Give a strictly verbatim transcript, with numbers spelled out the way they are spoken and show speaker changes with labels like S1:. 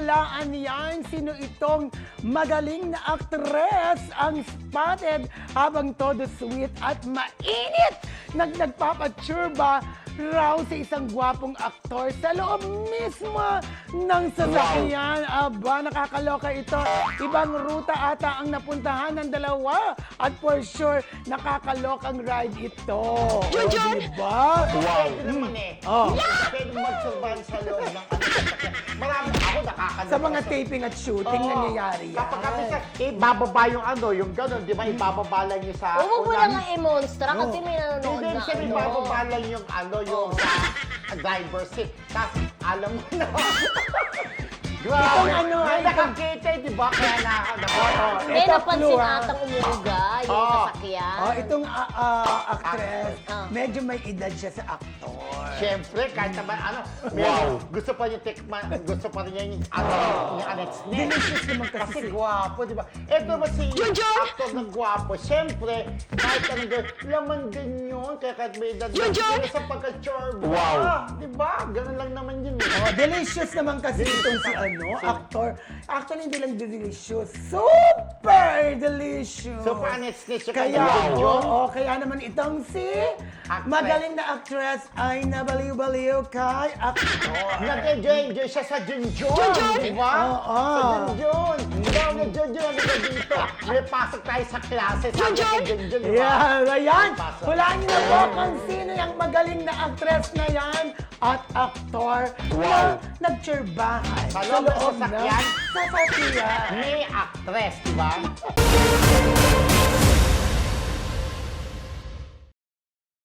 S1: hulaan yan. Sino itong magaling na aktres ang spotted habang todo sweet at mainit nag nagpapatsurba raw sa isang gwapong aktor sa loob mismo ng sasakyan. Aba, nakakaloka ito. Ibang ruta ata ang napuntahan ng dalawa at for sure, nakakalokang ride ito.
S2: Junjun!
S1: O, diba?
S3: Pwede naman eh.
S1: Oh.
S3: Pwede mag-survive sa loob ng ano. Marami ako nakakaloka.
S1: Sa mga taping at shooting,
S3: Oo.
S1: nangyayari yan.
S3: Kapag kami sa, ibababa yung ano, yung gano'n, di ba? Ibababa lang yung sa...
S2: Huwag mo
S3: unang-
S2: lang i-monstra kasi may nanonood
S3: Hindi,
S2: na
S3: kasi
S2: ano.
S3: ibababa lang yung ano, yung sa driver seat. Tapos, alam mo na. Grabe.
S1: Itong ano,
S3: May
S1: itong-
S3: nakakita, eh, di ba? Kaya na...
S1: Oo.
S2: Hindi,
S1: Ito,
S2: napansin
S1: clue, ha?
S2: atang umuuga yung
S3: Oo.
S2: sasakyan.
S1: Oh, itong ah, ah, actress,
S2: Ah.
S1: medyo may edad siya sa aktor.
S3: Siyempre, kahit naman ano, may gusto pa niya tikman, gusto pa rin niya yung ano, yung Alex Nen.
S1: Delicious naman kasi
S3: Kasi
S1: si-
S3: gwapo, di ba? Ito ba si actor ng gwapo, siyempre, kahit anong gawin, laman din yun, kaya kahit may edad na, pero sa pagka-chorba, wow. Di ba? Ganun lang naman yun. eh.
S1: Oh, delicious naman kasi itong si ano, actor. Actually, hindi lang delicious, super delicious.
S3: Super Alex Nen siya
S1: Kaya,
S3: kaya
S1: oo, oh, kaya naman itong si
S3: Actress.
S1: magaling na actress ay nabaliw-baliw kay actor.
S3: Nag-enjoy-enjoy siya sa Junjun, di ba?
S1: Oo.
S3: Sa Junjun. Ikaw na Junjun, ano ka dito? May pasok tayo sa klase, sabi kay Junjun, di ba?
S1: Yeah, ayan.
S3: Pasok.
S1: Hulaan niyo na po kung sino yung magaling na actress na yan at aktor na nagtsurbahan
S3: Sa loob ng
S1: ng
S3: sasakyan?
S1: sasakyan.
S3: May actress, di ba?